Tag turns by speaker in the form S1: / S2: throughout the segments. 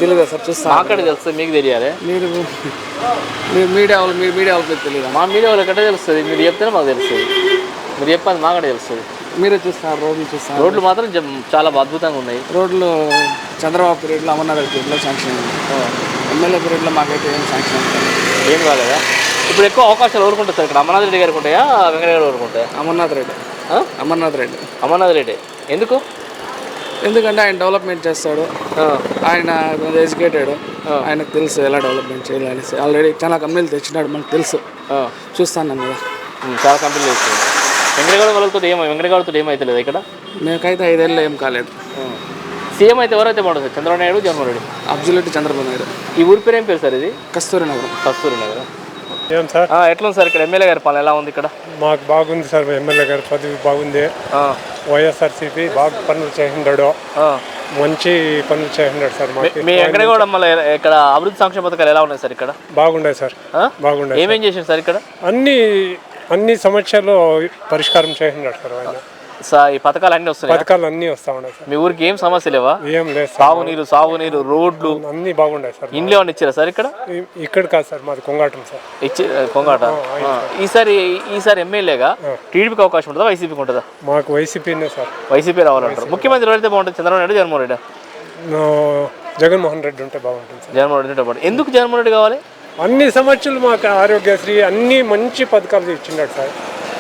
S1: తెలియదు సార్, చూస్తాను.
S2: మాకు తెలుస్తుంది, మీకు తెలియాలి.
S1: మీరు మీడియా వాళ్ళకి తెలియదు.
S2: మా మీడియా వాళ్ళకి ఎట్లా తెలుస్తుంది? మీరు చెప్తేనే మాకు తెలుస్తుంది. మీరు చెప్పాలి, మాకు తెలుస్తుంది.
S1: మీరే చూస్తారు, రోడ్లు చూస్తారు.
S2: రోడ్లు మాత్రం చాలా అద్భుతంగా ఉన్నాయి.
S1: రోడ్లు చంద్రబాబు పీరియడ్లో, అమర్నాథ్ పీరియడ్లో శాంక్షన్ అయింది. ఎమ్మెల్యే పీరియడ్లో మాకైతే ఏం శాంక్షన్
S2: ఏం కాలేదా? ఇప్పుడు ఎక్కువ అవకాశాలు ఎవరుకుంటాయి సార్ ఇక్కడ? అమర్నాథ్ రెడ్డి గారికి ఉంటాయా, వెంకటగారు ఎవరుకుంటాయా?
S1: అమర్నాథ్ రెడ్డి.
S2: అమర్నాథ్ రెడ్డి ఎందుకు?
S1: ఎందుకంటే ఆయన డెవలప్మెంట్ చేస్తాడు, ఆయన ఎడ్యుకేటెడ్, ఆయనకు తెలుసు ఎలా డెవలప్మెంట్ చేయాలనేసి. ఆల్రెడీ చాలా కంపెనీలు తెచ్చినాడు, మనకు తెలుసు, చూస్తాను కదా.
S2: చాలా కంపెనీలు తెచ్చాడు. వెంకటగారితో ఏమైతే ఇక్కడ
S1: మేకైతే 5 ఏళ్ళు ఏం కాలేదు.
S2: సీఎం అయితే ఎవరైతే బాగుంటుంది సార్? చంద్రబాబు నాయుడు, జగన్మోహన్ రెడ్డి?
S1: అబ్జల్యూట్ చంద్రబాబు నాయుడు.
S2: ఈ ఊరి పేరు ఏం పేరు సార్? ఇది
S1: కస్తూరి నగరం.
S3: ఏం సార్
S2: ఎట్లా ఉంది సార్ ఇక్కడ? ఎమ్మెల్యే గారి పాలన ఎలా ఉంది ఇక్కడ?
S3: మాకు బాగుంది సార్, ఎమ్మెల్యే గారి పదవి బాగుంది. వైఎస్ఆర్సీపీ బాగా పనులు చేసినాడు, మంచి పనులు చేసినాడు సార్.
S2: మీ వెంకటగౌడ మళ్ళీ ఇక్కడ అభివృద్ధి సంక్షేమ పథకాలు ఎలా ఉన్నాయి సార్ ఇక్కడ?
S3: బాగున్నాయి సార్, బాగున్నాయి.
S2: ఏమేం చేసింది సార్ ఇక్కడ?
S3: అన్ని సమస్యలు పరిష్కారం చేసినాడు సార్ ఆయన.
S2: ఈ పథకాలు అన్ని వస్తున్నాయి?
S3: పథకాలు అన్ని వస్తా ఉన్నాయి సార్.
S2: మీ ఊరికి ఏం సమస్య లేవా?
S3: ఏం లేదు.
S2: సాగునీరు, రోడ్లు
S3: అన్ని బాగున్నాయి సార్.
S2: ఇంట్లో ఏమన్నా ఇచ్చారా సార్ ఇక్కడ?
S3: ఇక్కడ కాదు సార్, మాది కొంగాటం సార్.
S2: కొంగాట. ఈసారి ఎమ్మెల్యేగా టీడీపీకి అవకాశం ఉంటుందా, వైసీపీకి ఉంటుందా?
S3: మాకు వైసీపీనే సార్.
S2: వైసీపీ రావాలంటారు. ముఖ్యమంత్రి ఎవరైతే బాగుంటుంది? చంద్రబాబు నాయుడు, జగన్మోహన్ రెడ్డి?
S3: జగన్మోహన్ రెడ్డి ఉంటే బాగుంటుంది సార్.
S2: జగన్మోహన్ రెడ్డి ఉంటే బాగుంటుంది. ఎందుకు జగన్మోహన్ రెడ్డి కావాలి?
S3: అన్ని సమస్యలు మాకు ఆరోగ్యశ్రీ అన్ని మంచి పథకాలు ఇచ్చినాడు సార్.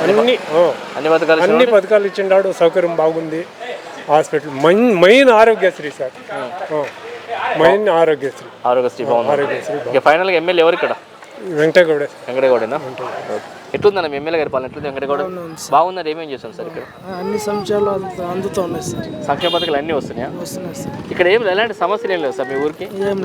S3: అన్ని పథకాలు ఇచ్చినాడు, సౌకర్యం బాగుంది. Hospital main Aarogyasri sir, main Aarogyasri
S2: బాగుంది. ఫైనల్గా ఎమ్మెల్యే ఎవరు ఇక్కడ? వెంకటగౌడేనా? ఎట్లుందన్న మీ ఎమ్మెల్యే గారి పాలన? ఎట్లుంది వెంకటగౌడ? బాగుందని ఏమేం చేస్తాం సార్ ఇక్కడ?
S1: అన్ని సంక్షేమాలు అందుతూ ఉన్నాయి సార్.
S2: సంక్షేమ పథకాలు అన్నీ వస్తున్నాయా? ఇక్కడ ఎలాంటి సమస్యలు ఏం లేదు సార్ మీ ఊరికి?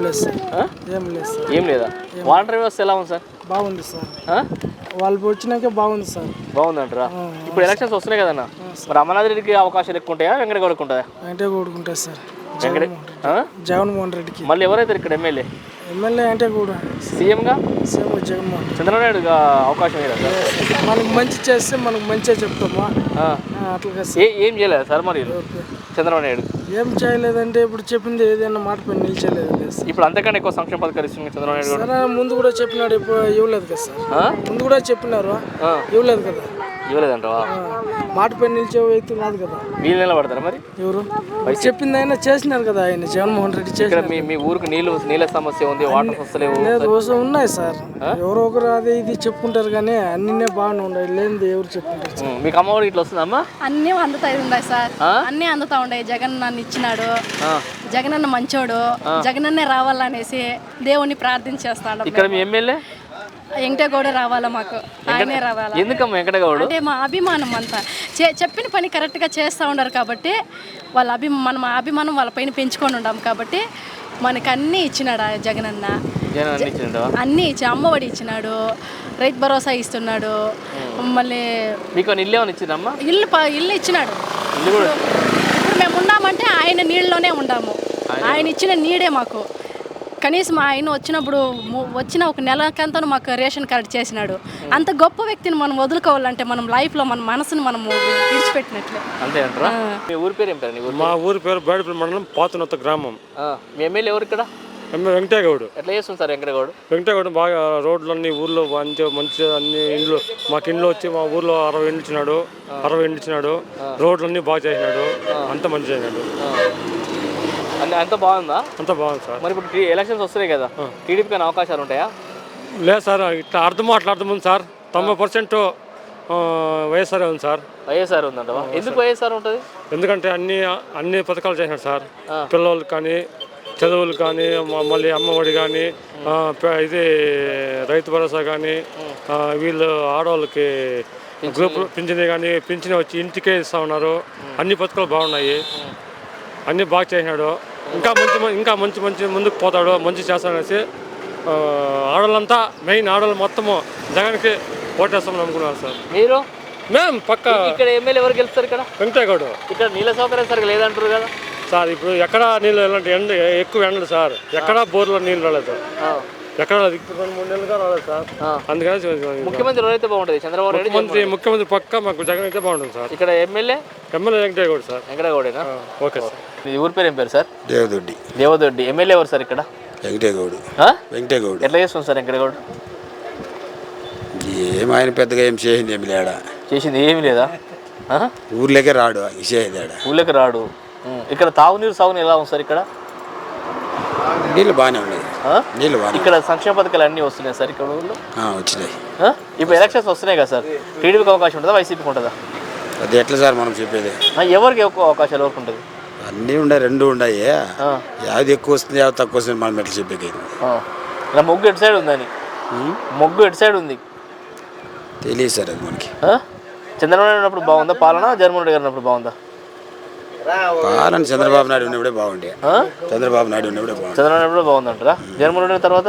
S2: ఏం లేదా? వాటర్ వ్యవస్థ ఎలా ఉంది సార్?
S1: బాగుంది సార్, వాళ్ళు వచ్చినాక బాగుంది సార్.
S2: బాగుందంటారా? ఇప్పుడు ఎలక్షన్స్ వస్తున్నాయి కదన్న, మరి అమర్నాథ్ రెడ్డికి అవకాశాలు ఎక్కువ ఉంటాయా, వెంకటగౌడకు ఉంటాయా?
S1: వెంకటగౌడకుంటాయి సార్.
S2: జగన్మోహన్ రెడ్డికి మళ్ళీ ఎవరైతే ఇక్కడ ఎమ్మెల్యే
S1: అంటే కూడా
S2: సీఎంగా
S1: జగన్మోహన్
S2: చంద్రబాబు నాయుడు అవకాశం లేదా సార్?
S1: మనకు మంచి చేస్తే మనకు మంచిగా చెప్తామా, అట్లా
S2: ఏం చేయలేదు సార్ మరి చంద్రబాబు నాయుడు?
S1: ఏం చేయలేదంటే ఇప్పుడు చెప్పింది ఏదైనా మాట పైన నిలిచలేదు.
S2: ఇప్పుడు అంతకన్నా ఎక్కువ సంక్షేమ పథకాలు ఇస్తుంది చంద్రబాబు నాయుడు.
S1: ముందు కూడా చెప్పినాడు, ఇప్పుడు ఇవ్వలేదు కదా సార్. ముందు కూడా చెప్పినారు, ఇవ్వలేదు కదా.
S2: ఇవ్వలేదంటావా?
S1: మాట పైన నిలిచే వ్యక్తి కాదు కదా.
S2: వీళ్ళు నిలబడతారా మరి? ఎవరు
S1: చెప్పింది ఆయన చేసినారు కదా, ఆయన జగన్మోహన్ రెడ్డి చేసినారు.
S2: మీ ఊరికి నీళ్ళ సమస్య ఉంది, వాటర్ వస్తలేవు?
S1: లేదు, ఉన్నాయి సార్. ఎవరో ఒకరు అదే ఇది చెప్పుకుంటారు కానీ అన్నీ బాగానే ఉన్నాయి, లేనిది ఎవరు చెప్పుకుంటారు.
S2: మీకు అమ్మఒడి ఇట్లా వస్తుందమ్మా?
S4: అన్నీ అందుతాయి ఉన్నాయి సార్, అన్నీ అందుతా ఉన్నాయి. జగన్ నన్ను ఇచ్చినాడు, జగనన్న మంచోడు, జగనన్నే రావాలనేసి దేవుణ్ణి ప్రార్థించేస్తాడు.
S2: ఇక్కడ మీ ఎమ్మెల్యే
S4: వెంకటగౌడ రావాలా, మాకు ఆయనే రావాలా.
S2: ఎందుకమ్మా వెంకటగౌడ?
S4: అంటే మా అభిమానం అంతా. చెప్పిన పని కరెక్ట్గా చేస్తూ ఉన్నారు కాబట్టి వాళ్ళ అభిమానం వాళ్ళ పైన పెంచుకొని ఉన్నాం కాబట్టి మనకు అన్నీ ఇచ్చినాడు జగనన్న. అన్నీ ఇచ్చి అమ్మఒడి ఇచ్చినాడు, రైతు భరోసా ఇస్తున్నాడు. మళ్ళీ
S2: మీకు ఇల్లు ఏమైనా ఇచ్చిందమ్మా?
S4: ఇల్లు ఇచ్చినాడు. ఇప్పుడు మేము ఉన్నామంటే ఆయన నీళ్ళలోనే ఉన్నాము, ఆయన ఇచ్చిన నీడే మాకు. కనీసం ఆయన వచ్చిన ఒక నెలకంతా మాకు రేషన్ కార్డు చేసినాడు. అంత గొప్ప వ్యక్తిని మనం వదులుకోవాలంటే మనం లైఫ్లో మన మనసును మనం విడిచిపెట్టినట్లే.
S2: అంతే అంటారా? మీ ఊరి పేరు ఏం పేరు?
S3: మా ఊరి పేరు బేడపల్లి మండలం పాతనొత్త గ్రామం.
S2: మీ ఎమ్మెల్యే ఎవరు ఇక్కడ?
S3: వెంకటగౌడ్.
S2: ఎట్లా చేస్తుంది సార్
S3: వెంకటగౌడ్? బాగా రోడ్లన్నీ ఊర్లో మంచిగా అన్ని ఇండ్లు, మాకు ఇండ్లు వచ్చి మా ఊర్లో 60 ఇండ్లు ఇచ్చినాడు. రోడ్లన్నీ బాగా చేసినాడు, అంత మంచి చేసినాడు.
S2: అంత బాగుందా?
S3: అంత బాగుంది సార్.
S2: మరి ఇప్పుడు ఎలక్షన్స్ వస్తున్నాయి కదా, టీడీపీకి అవకాశాలు ఉంటాయా?
S3: లేదు సార్, ఇట్లా అర్థం ఉంది సార్. 90% వైఎస్ఆర్ ఉంది సార్.
S2: వైఎస్ఆర్ ఉందంట. ఎందుకు వైఎస్ఆర్ ఉంటుంది?
S3: ఎందుకంటే అన్ని పథకాలు చేసినాడు సార్. పిల్లలకు కానీ, చదువులు కానీ, మళ్ళీ అమ్మఒడి కానీ, ఇది రైతు భరోసా కానీ, వీళ్ళు ఆడవాళ్ళకి గ్రూప్ పింఛన్ కానీ, పింఛన్ వచ్చి ఇంటికే ఇస్తూ ఉన్నారు. అన్ని పథకాలు బాగున్నాయి, అన్నీ బాగా చేసినాడు. ఇంకా మంచి ముందుకు పోతాడు, మంచి చేస్తాడనేసి ఆడవాళ్ళంతా మెయిన్ ఆడవాళ్ళు మొత్తము జగన్కి ఓటేస్తామని అనుకున్నారు సార్.
S2: మీరు?
S3: మేము పక్క.
S2: ఇక్కడ ఎమ్మెల్యే ఎవరు గెలుస్తారు ఇక్కడ?
S3: వెంకటగౌడ్.
S2: ఇక్కడ నీళ్ళ సౌకర్యం సరిగ్గా లేదంటారు కదా
S3: సార్. ఇప్పుడు ఎక్కడ నీళ్ళు ఎక్కువ ఎండలు సార్, ఎక్కడా బోర్లో నీళ్ళు రాలేదు. ఎక్కడ 2-3 నెలలుగా రాలేదు సార్. అందుకని
S2: ముఖ్యమంత్రి ఎవరైతే బాగుంటుంది? చంద్రబాబు నాయుడు,
S3: ముఖ్యమంత్రి పక్క మాకు జగన్ అయితే బాగుంటుంది సార్.
S2: ఇక్కడ ఎమ్మెల్యే
S3: వెంకటేగౌడ సార్.
S2: వెంకటగౌడేనా?
S3: Okay sir.
S2: ఈ ఊరి పేరు ఏం పేరు సార్?
S5: దేవదొడ్డి.
S2: దేవదొడ్డి. ఎమ్మెల్యే ఎవరు సార్ ఇక్కడ?
S5: వెంకటేగౌడు. వెంకటేగౌడు.
S2: ఎట్లా చేస్తుంది సార్ వెంకటగౌడ్?
S5: ఆయన పెద్దగా ఏం చేసింది ఏమి లేడా,
S2: చేసింది ఏమి లేదా?
S5: ఊర్లోకే రాడు,
S2: ఊళ్ళోకి రాడు. ఇక్కడ తాగునీరు సాగునీరు ఎలా ఉంది సార్? ఇక్కడ
S5: నీళ్ళు బాగానే ఉన్నాయి. నీళ్ళు బాగా
S2: ఇక్కడ సంక్షేమ పథకాలు అన్నీ వస్తున్నాయి సార్ ఇక్కడ ఊళ్ళో?
S5: వచ్చినాయి.
S2: ఇప్పుడు ఎలక్షన్స్ వస్తున్నాయి కదా సార్, టీడీపీకి అవకాశం ఉంటుందా, వైసీపీకి ఉంటుందా?
S5: అది ఎట్లా సార్ మనం చెప్పేది?
S2: ఎవరికి ఎక్కువ అవకాశాలు ఎవరికి ఉంటుంది?
S5: అన్నీ ఉన్నాయి, రెండు ఉన్నాయి. యాది ఎక్కువ వస్తుంది యాది తక్కువ వస్తుంది మనం ఎట్లా చెప్పేది?
S2: ఇలా మొగ్గు ఎటు సైడ్ ఉందని, మొగ్గు ఎటు సైడ్ ఉంది
S5: తెలియదు సార్ అది మనకి.
S2: చంద్రబాబు నాయుడు ఉన్నప్పుడు బాగుందా పాలన, జగన్మోహన్ రెడ్డి గారు ఉన్నప్పుడు బాగుందా
S5: పాలన? చంద్రబాబు నాయుడు ఉన్నప్పుడే బాగుండే. చంద్రబాబు నాయుడు ఉన్నప్పుడే బాగుంది.
S2: చంద్రబాబు నాయుడు కూడా బాగుందంటారా? జగన్మోహన్ రెడ్డి తర్వాత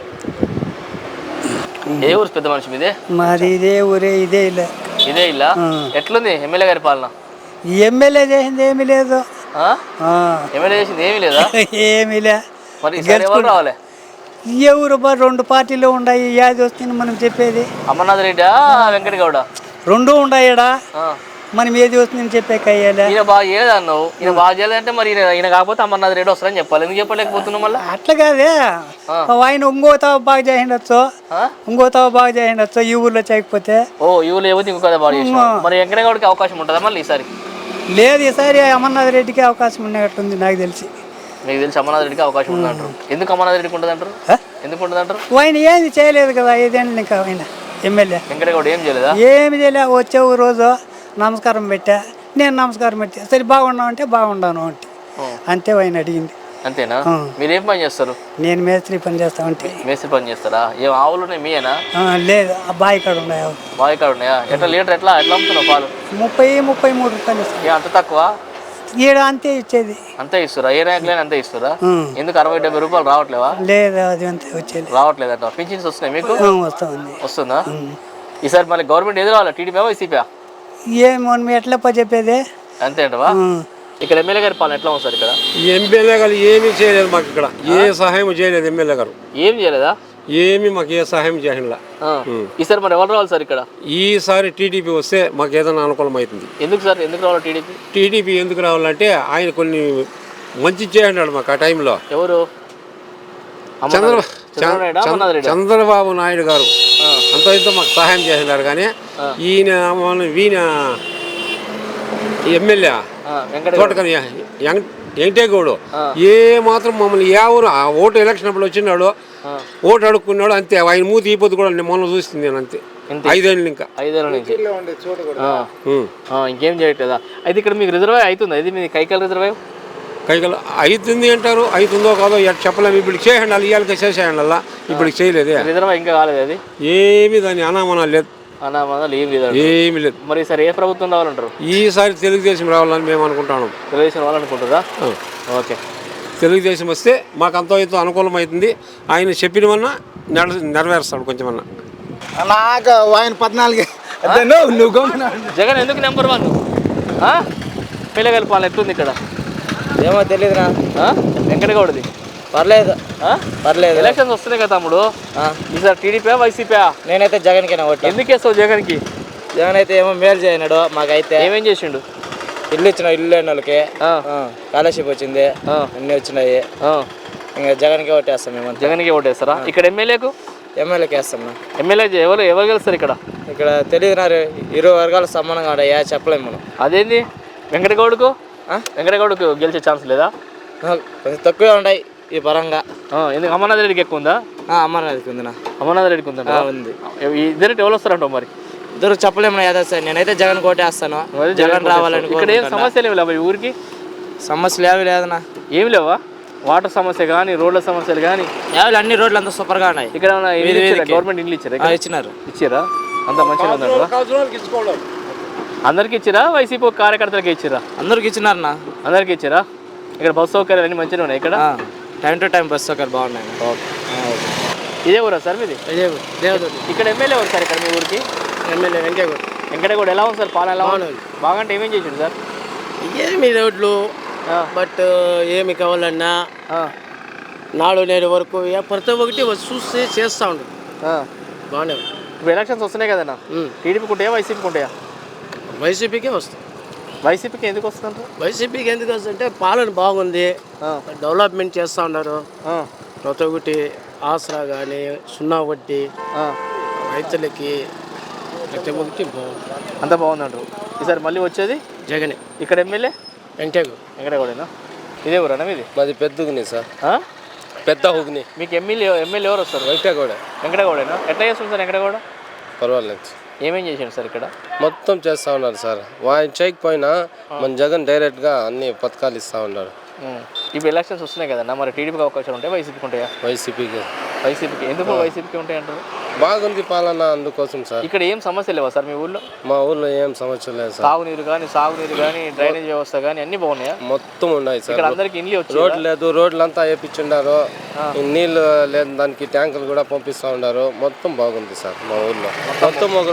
S2: ఏ ఊరు పెద్ద మనిషి మీదే?
S6: మాది ఇదే ఊరే, ఇదే ఇల్లు.
S2: ఇదే ఇల్లా? ఎట్లుంది ఎమ్మెల్యే గారి పాలన?
S6: ఎమ్మెల్యే చేసింది ఏమీ లేదు.
S2: ఎమ్మెల్యే చేసింది ఏమీ లేదా?
S6: ఏమీ లే.
S2: మరి ఈసారి ఎవరు రావాలి?
S6: ఎవరు 2 పార్టీలు ఉన్నాయి, యాది వస్తుంది మనం చెప్పేది?
S2: అమర్నాథ్ రెడ్డి, వెంకటగౌడ,
S6: 2 ఉన్నాయడా, మనం ఏది వస్తుందని చెప్పే కయ్యాలి.
S2: ఈయన బాగా చేయలేదు అన్నావు. ఈయన బాగా చేయలేదంటే మరి ఈయన కాకపోతే అమర్నాథ్ రెడ్డి వస్తారని చెప్పాలి. ఎందుకు చెప్పలేకపోతున్నావు మళ్ళీ?
S6: అట్లా కాదే, ఆయన ఇంకోతావ బాగా చేసిండొచ్చు, ఇంకోతావ బాగా చేసిండొచ్చు ఈ ఊర్లో చేయకపోతే.
S2: ఈ ఊళ్ళో ఏవో ఇంకో బాగా చేసిన మరి వెంకటగౌడకి అవకాశం ఉంటుందా మళ్ళీ ఈసారి?
S6: లేదు, ఈసారి అమర్నాథ్ రెడ్డికి అవకాశం ఉన్నట్టుంది నాకు తెలిసి.
S2: మీకు తెలిసి అమర్నాథ్ రెడ్డికి అవకాశం ఉందంటారు. ఎందుకు అమర్నాథ్ రెడ్డికి ఉంటుంది అంటారు? ఎందుకు ఉంటుంది అంటారు?
S6: ఆయన ఏమి చేయలేదు కదా 5 ఏళ్ళు ఇంకా ఆయన ఎమ్మెల్యే.
S2: వెంకటగౌడ ఏం చేయలేదా?
S6: ఏమి చేయలే. వచ్చే రోజు నమస్కారం పెట్టా, నేను నమస్కారం పెట్టా, సరే బాగున్నావు అంటే బాగున్నాను అంటే అంతే ఆయన అడిగింది.
S2: అంతేనా? మీరు ఏం పని చేస్తారు?
S6: నేను మేస్త్రి పని చేస్తా అంటే.
S2: మేస్త్రి పని చేస్తారా? ఏం ఆవులు ఉన్నాయి మీయేనా?
S6: లేదు, ఆ బావి కాడ ఉన్నాయి ఆవులు.
S2: బావి కాడ ఉన్నాయా? ఎట్లా లీటర్ ఎట్లా అమ్ముతున్నావు పాలు?
S6: 30-33 రూపాయలు ఇస్తాను.
S2: అంత తక్కువ?
S6: ఈడ అంతే ఇచ్చేది.
S2: అంతే ఇస్తారా? ఏ ర్యాంకులైనా అంతే ఇస్తారా? ఎందుకు 60-70 రూపాయలు రావట్లేవా?
S6: లేదు, అది అంతే వచ్చేది.
S2: రావట్లేదంట. పింఛన్స్ వస్తున్నాయి మీకు?
S6: వస్తా ఉంది.
S2: వస్తుందా? ఈసారి మళ్ళీ గవర్నమెంట్ ఎదురు రావాలి, టీడీపీ వైసీపీ?
S6: ఏమో ఎట్లా చెప్పేది?
S2: అంతే అంటవా? ఇక్కడ ఎమ్మెల్యే గారి పాలన ఎట్లా ఉంది సార్? ఇక్కడ
S3: ఎమ్మెల్యే గారు ఏమీ చేయలేదు మాకు, ఇక్కడ ఏ సహాయం చేయలేదు. ఎమ్మెల్యే గారు
S2: ఏం చేయలేదా?
S3: ఏమి మాకు ఏ సహాయం చేయలే.
S2: ఈసారి మరి ఎవరు రావాలి సార్ ఇక్కడ?
S3: ఈసారి టీడీపీ వస్తే మాకు ఏదైనా అనుకూలం అవుతుంది.
S2: ఎందుకు సార్, ఎందుకు రావాలి టీడీపీ?
S3: టీడీపీ ఎందుకు రావాలంటే ఆయన కొన్ని మంచి చేయండి మాకు ఆ టైంలో.
S2: ఎవరు?
S3: చంద్రబాబు నాయుడు గారు అంత ఇంత మాకు సహాయం చేసినారు. కానీ ఈయన ఎమ్మెల్యే తోటకని వెంకటేగౌడు ఏ మాత్రం మమ్మల్ని ఎవరు ఆ ఓటు ఎలక్షన్ అప్పుడు వచ్చినాడు, ఓటు అడుక్కున్నాడు అంతే. ఆయన మూతి ఈపోతు కూడా మొన్న చూస్తుంది నేను అంతే. 5 ఏళ్ళు ఇంకా
S2: 5 ఏళ్ళ నుంచి ఇంకేం చేయట్లేదా? అయితే ఇక్కడ మీకు రిజర్వే అవుతుంది? ఇది మీ కైకల్ రిజర్వే
S3: కైకల్ అవుతుంది అంటారు, అవుతుందో కాదో చెప్పలేము. ఇప్పుడు చేయండి అలా, ఇవాళకి చేసేయండి అలా, ఇప్పుడు చేయలేదే.
S2: రిజర్వే ఇంకా కాలేదు అది?
S3: ఏమి దాని అనామనాలు లేదు.
S2: అనామనాలు ఏమి లేదు. మరి ఈసారి ఏ ప్రభుత్వం రావాలంటారు?
S3: ఈసారి తెలుగుదేశం రావాలని మేము అనుకుంటాము.
S2: తెలుగుదేశం రావాలనుకుంటారా? ఓకే,
S3: తెలుగుదేశం వస్తే మాకు అంతో ఎంతో అనుకూలం అవుతుంది. ఆయన చెప్పినవన్నా నెరవేరుస్తాడు కొంచెమన్నా.
S5: నాకు ఆయన 14
S2: జగన్ ఎందుకు నెంబర్ 1? పిల్లగాలి పాలన ఎట్లుంది ఇక్కడ?
S7: ఏమో తెలియదురా.
S2: వెంకటగౌడది
S7: పర్లేదు.
S2: ఎలక్షన్స్ వస్తున్నాయి కదా తమ్ముడు, ఈసారి టీడీపీ వైసీపీ?
S7: నేనైతే జగన్కి ఓట్లు.
S2: ఎందుకు వేస్తావు జగన్కి?
S7: జగన్ అయితే ఏమో మేలు చేయనాడు మాకైతే.
S2: ఏమేం చేసిండు?
S7: ఇల్లు ఇచ్చిన, ఇల్లు లేని వాళ్ళకి స్కాలర్షిప్ వచ్చింది, అన్నీ వచ్చినాయి. ఇంకా జగన్కి ఓటేస్తాం మేము.
S2: జగన్కి ఓటేస్తారా? ఇక్కడ ఎమ్మెల్యేకు?
S7: ఎమ్మెల్యేకి వేస్తాం.
S2: ఎమ్మెల్యే ఎవరు గెలుస్తారు ఇక్కడ?
S7: ఇక్కడ తెలియదు. 2 వర్గాలు సమానంగా ఉన్నాయా చెప్పలేము మనం.
S2: అదేంది? వెంకటగౌడకు గెలిచే ఛాన్స్ లేదా?
S7: కొంచెం తక్కువే ఉన్నాయి ఈ పరంగా.
S2: ఎందుకు? అమర్నాథ్ రెడ్డికి ఎక్కువ ఉందా?
S7: అమర్నాథ్కి ఉందినా?
S2: అమర్నాథ్ రెడ్డికి ఉందా?
S7: ఉంది.
S2: ఇద్దరు ఎవరు వస్తారంటావు మరి?
S7: ఇద్దరు చెప్పలేము. సార్ నేనైతే జగన్ కోటేస్తాను. జగన్ రావాలని.
S2: ఇక్కడ ఏం సమస్యలు ఏమి లేవా? ఊరికి
S7: సమస్యలు ఏమి లేదన్నా.
S2: ఏమి లేవా? వాటర్ సమస్య కానీ, రోడ్ల సమస్యలు కానీ?
S7: అన్ని రోడ్లు అంతా సూపర్గా ఉన్నాయి.
S2: ఇక్కడ గవర్నమెంట్ ఇల్లు ఇచ్చారా? ఇచ్చారా? అంత మంచిగా ఉందా? అందరికి ఇచ్చిరా? వైసీపీ కార్యకర్తలకి ఇచ్చిరా?
S7: అందరికి ఇచ్చినారన్నా.
S2: అందరికి ఇచ్చిరా? ఇక్కడ బస్సు సౌకర్యాలు అన్నీ మంచిగా ఉన్నాయి ఇక్కడ?
S7: టైం టు టైం బస్సు సౌకర్యాలు బాగున్నాయి.
S2: ఇదే ఊరా సార్ మీది? ఇక్కడ ఎమ్మెల్యే ఎవరు సార్ ఇక్కడ మీ ఊరికి?
S1: ఎమ్మెల్యే
S2: వెంకటగౌడ ఎలా ఉంది సార్ పాలన? ఎలా ఉంది? బాగా అంటే ఏమేం చేసిండు సార్?
S1: ఏమి రోడ్లు, బట్ ఏమి కావాలన్నా
S8: నాడు నేడు వరకు ప్రతి ఒక్కటి చూసి చేస్తూ ఉండదు బాగానే ఉంది.
S2: ఇప్పుడు ఎలక్షన్స్ వస్తున్నాయి కదన్నా, టీడీపీకి ఉంటాయా వైసీపీకి ఉంటాయా?
S8: వైసీపీకే వస్తుంది.
S2: వైసీపీకి ఎందుకు వస్తుందంటారు?
S8: వైసీపీకి ఎందుకు వస్తుందంటే పాలన బాగుంది, డెవలప్మెంట్ చేస్తూ ఉన్నారు. ప్రతి ఒక్కటి ఆసరా కానీ, సున్నా వడ్డీ, రైతులకి ప్రతి ఒక్కటి బాగుంది.
S2: అంతా బాగుందంటారు. ఈసారి మళ్ళీ వచ్చేది
S8: జగనే.
S2: ఇక్కడ ఎమ్మెల్యే వెంకటగౌడేనా? ఇదే ఊరేనా మీది?
S7: మాది పెద్ద హుగ్ని సార్, పెద్ద హుగ్ని.
S2: మీకు ఎమ్మెల్యే ఎవరు వస్తారు? వెంకటగౌడేనా? ఎట్లా చేస్తుంది సార్ వెంకటగౌడ?
S7: పర్వాలేదు.
S2: ఏమేం చేశాడు సార్ ఇక్కడ?
S7: మొత్తం చేస్తూ ఉన్నారు సార్. ఆయన చేయకపోయినా మన జగన్ డైరెక్ట్గా అన్ని పథకాలు ఇస్తూ ఉన్నారు.
S2: ఇప్పుడు ఎలక్షన్స్ వస్తున్నాయి కదన్నా, మరి టీడీపీకి అవకాశాలు ఉంటాయి, వైసీపీకి ఉంటాయా?
S7: వైసీపీకి.
S2: ఎందుకు వైసీపీకి ఉంటాయి అంటారు?
S7: బాగుంది పాలన, అందుకోసం సార్.
S2: ఇక్కడ ఏం సమస్య లేవా సార్ మీ ఊళ్ళో?
S7: మా ఊళ్ళో ఏం సమస్య లేదు సార్.
S2: తాగునీరు కానీ, సాగునీరు కానీ, డ్రైనేజ్ వ్యవస్థ కానీ అన్ని బాగున్నాయా?
S7: మొత్తం ఉన్నాయి సార్.
S2: ఇక్కడ అందరికి ఇండ్లు వచ్చి
S7: రోడ్లు లేదు, రోడ్లు అంతా వేయించుండారు. నీళ్ళు లేదు దానికి, ట్యాంకులు కూడా పంపిస్తూ ఉన్నారు. మొత్తం బాగుంది సార్ మా ఊళ్ళో. మొత్తం ఒక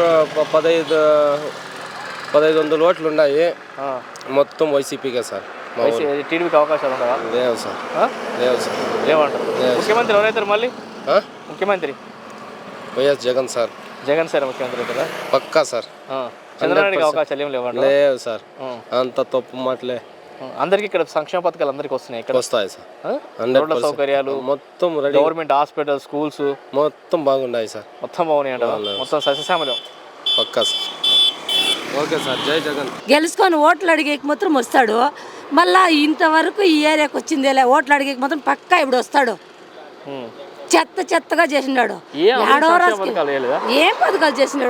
S7: 1500 ఓట్లు ఉన్నాయి. మొత్తం వైసీపీకే సార్.
S2: టీడీపీకి అవకాశాలు ఉండవా?
S7: లేవు సార్, లేవు సార్,
S2: లేవంటారు. ముఖ్యమంత్రి ఎవరైతారు మళ్ళీ? ముఖ్యమంత్రి
S7: YS Jagan sir.
S2: Jagan sir ముఖ్యమంత్రి అవుతారా?
S7: పక్కా సార్.
S2: చంద్రబాబుకి అవకాశాలు ఏం లేవంట?
S7: లేవు సార్, అంత తప్పు మాటలే.
S2: అందరికి ఇక్కడ సంక్షేమ పథకాలు అందరికి వస్తున్నాయి, ఇక్కడ
S7: వస్తాయి సార్.
S2: రోడ్ల సౌకర్యాలు
S7: మొత్తం రెడీ.
S2: గవర్నమెంట్ హాస్పిటల్, స్కూల్స్
S7: మొత్తం బాగున్నాయి సార్.
S2: మొత్తం బాగున్నాయి అంట, మొత్తం సస్యశ్యామలం.
S7: పక్కా సార్. ఓకే సార్, జై జగన్.
S9: గెలుచుకొని ఓట్లు అడిగేకి మాత్రం వస్తాడు. మళ్ళా ఇంతవరకు ఈ ఏరియాకి వచ్చింది ఓట్లు అడిగేకి మాత్రం పక్కా ఇప్పుడు వస్తాడు. చెత్తగా చేసినాడు. ఏం పథకాలు చేసినాడు?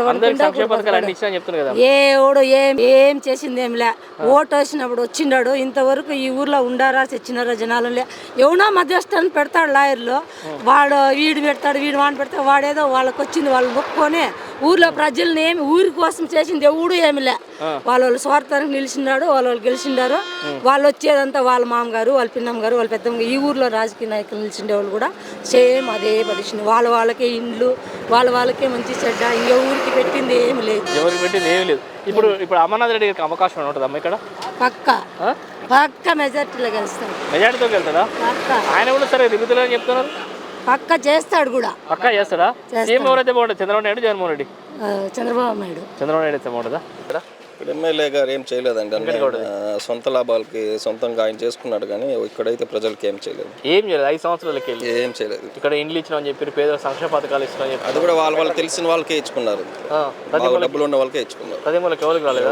S9: ఏడు ఏం చేసింది ఏంలే. ఓటు వేసినప్పుడు వచ్చిండాడు. ఇంతవరకు ఈ ఊర్లో ఉండారా తెచ్చినారా జనాలు ఎవనో మధ్యస్థాన్ని పెడతాడు లాయర్లు. వాడు వీడు పెడతాడు, వీడు వాడిని పెడతాడు. వాడేదో వాళ్ళకి వచ్చింది వాళ్ళు మొక్కుకొని ఊర్లో ప్రజల్ని ఏమి ఊరి కోసం చేసింది ఎవడు ఏమిలే. వాళ్ళ స్వార్థానికి నిలిచినాడు, వాళ్ళు గెలిచిండారు. వాళ్ళు వచ్చేదంతా వాళ్ళ మామగారు, వాళ్ళ పిన్నమ్మ గారు, వాళ్ళ పెద్దమ్మ. ఈ ఊర్లో రాజకీయ నాయకులు నిలిచిండే వాళ్ళు కూడా సేమ్ అదే పరిస్థితి. వాళ్ళకే ఇండ్లు, వాళ్ళకే మంచి చెడ్డ. ఇంక ఊరికి పెట్టింది ఏమి లేదు,
S2: ఎవరికి పెట్టింది ఏమి లేదు. ఇప్పుడు అమర్నాథ్ రెడ్డి గారికి అవకాశం ఉంటుందమ్మా ఇక్కడ?
S9: పక్క మెజార్టీలో గెలుస్తాడు.
S2: మెజార్టీతో వెళ్తాడా? ఆయన కూడా సరే దిగుతుందని చెప్తున్నారు.
S9: పక్క చేస్తాడు కూడా.
S2: పక్కా చేస్తాడా? సీఎం ఎవరైతే బాగుంటుంది, చంద్రబాబు నాయుడు, జగన్మోహన్ రెడ్డి?
S9: చంద్రబాబు నాయుడు
S2: అయితే బాగుంటుందా?
S10: ఇక్కడ ఎమ్మెల్యే గారు ఏం చేయలేదండి. సొంత లాభాలకి సొంతంగా ఆయన చేసుకున్నాడు, కానీ ఇక్కడైతే ప్రజలకి ఏం చేయలేదు.
S2: ఏం చేయలేదు 5 సంవత్సరాలకి
S10: ఏం చేయలేదు.
S2: ఇక్కడ ఇండ్లు ఇచ్చినామని చెప్పి, పేదల సంక్షేమ పథకాలు ఇచ్చినా చెప్పి,
S10: అది కూడా వాళ్ళు తెలిసిన వాళ్ళకే ఇచ్చుకున్నారు. డబ్బులు ఉన్న వాళ్ళకే ఇచ్చుకున్నారు.
S2: ప్రతి వాళ్ళకి ఎవరికి రాలేదు.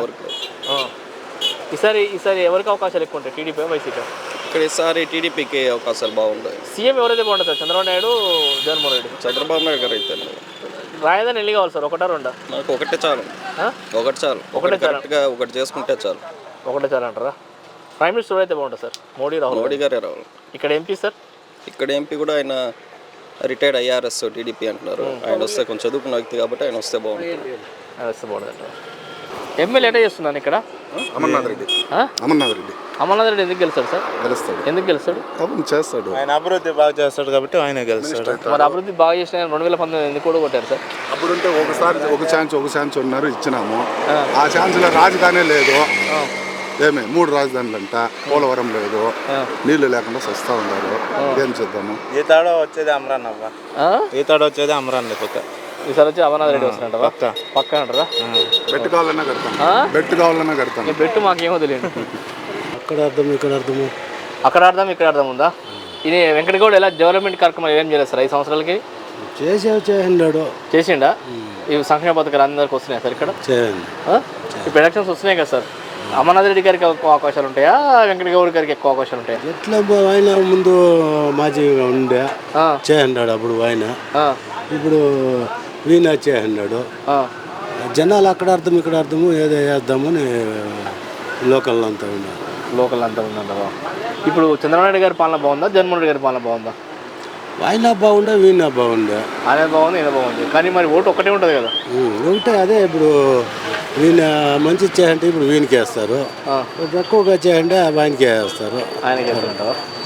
S2: ఈసారి ఎవరికి అవకాశాలు ఎక్కువ ఉంటాయి, టీడీపీ వైసీపీ?
S10: ఇక్కడ ఈసారి టీడీపీకి అవకాశాలు బాగుంటాయి.
S2: సీఎం ఎవరైతే బాగుంటుంది, చంద్రబాబు నాయుడు, జగన్మోహన్ రెడ్డి?
S10: చంద్రబాబు నాయుడు గారు అయితే
S2: రాయదాని ఎన్ని కావాలి సార్? ఒకటా రెండా?
S10: నాకు ఒకటే చాలు. ఒకటి చేసుకుంటే చాలు.
S2: ఒకటే చాలు అంటారా? ప్రైమ్ మినిస్టర్ అయితే బాగుంటుంది సార్? మోడీ గారే రావాలి. ఇక్కడ ఎంపీ సార్?
S10: ఇక్కడ ఎంపీ కూడా ఆయన రిటైర్డ్ ఐఆర్ఎస్ టీడీపీ అంటున్నారు. ఆయన వస్తే కొంచెం చదువుకున్న వ్యక్తి కాబట్టి ఆయన వస్తే బాగుంటుంది.
S2: ఎమ్మెల్యే ఎట్లా చేస్తున్నాను ఇక్కడ?
S11: అమర్నాథ్ రెడ్డి.
S2: అమర్నాథ్ రెడ్డి ఎందుకు గెలుస్తాడు సార్? ఎందుకు గెలుస్తాడు?
S11: చేస్తాడు. ఆయన అభివృద్ధి బాగా చేస్తాడు కాబట్టి ఆయన గెలుస్తాడు.
S2: మరి అభివృద్ధి బాగా చేసిన 2019 ఎందుకు కూడా కొట్టారు సార్?
S11: అప్పుడుంటే ఒక ఛాన్స్ ఉన్నారు, ఇచ్చినాము. ఆ ఛాన్స్లో రాజధానే లేదు. 3 రాజధానులు అంట, పోలవరం లేదు, నీళ్లు లేకుండా సస్తా ఉన్నారు. ఏం చేద్దాము? ఈతాడో వచ్చేది అమరాన్ పక్క.
S2: ఈసారి వచ్చి అమర్నాథ్ రెడ్డి వస్తున్నట్టు పక్క అంటారా?
S11: బెట్టు కావాలన్నా కడతాను.
S2: బెట్టు మాకేమో తెలియదు.
S11: అక్కడ అర్థం ఇక్కడ
S2: అర్థం ఉందా? ఇది వెంకటగౌడ ఎలా డెవలప్మెంట్ కార్యక్రమాలు ఏం చేయలేదు సార్ 5 సంవత్సరాలకి? చేసిండా? ఇవి సంక్షేమ పథకాలు అందరికి వస్తున్నాయి సార్ ఇక్కడ? ఇప్పుడు ఎలక్షన్స్ వస్తున్నాయి కదా సార్, అమర్నాథ్ రెడ్డి గారికి ఎక్కువ అవకాశాలు ఉంటాయా, వెంకటగౌడ గారికి ఎక్కువ అవకాశాలు ఉంటాయా?
S12: ఎట్లా ఆయన ముందు మాజీగా ఉండే చేయన్నాడు, అప్పుడు ఆయన ఇప్పుడు వీణ చేయన్నాడు. జనాలు అక్కడ అర్థం ఇక్కడ అర్థము ఏదో వేద్దామని లోకల్ అంతా ఉన్నారు.
S2: ఇప్పుడు చంద్రబాబు నాయుడు గారి పాలన బాగుందా, జగన్మోహన్ రెడ్డి గారి పాలన బాగుందా?
S12: ఆయన బాగుండే, వీణ బాగుండే.
S2: ఆయన బాగుంది, ఈయన బాగుంది, కానీ మరి ఓటు ఒకటే ఉంటుంది కదా?
S12: ఒకటే. అదే ఇప్పుడు వీణ మంచి చేయంటే ఇప్పుడు వీణకి వేస్తారు, ఎక్కువగా చేయంటే ఆయనకే వేస్తారు.
S2: ఆయనకి వేస్తారంటారా?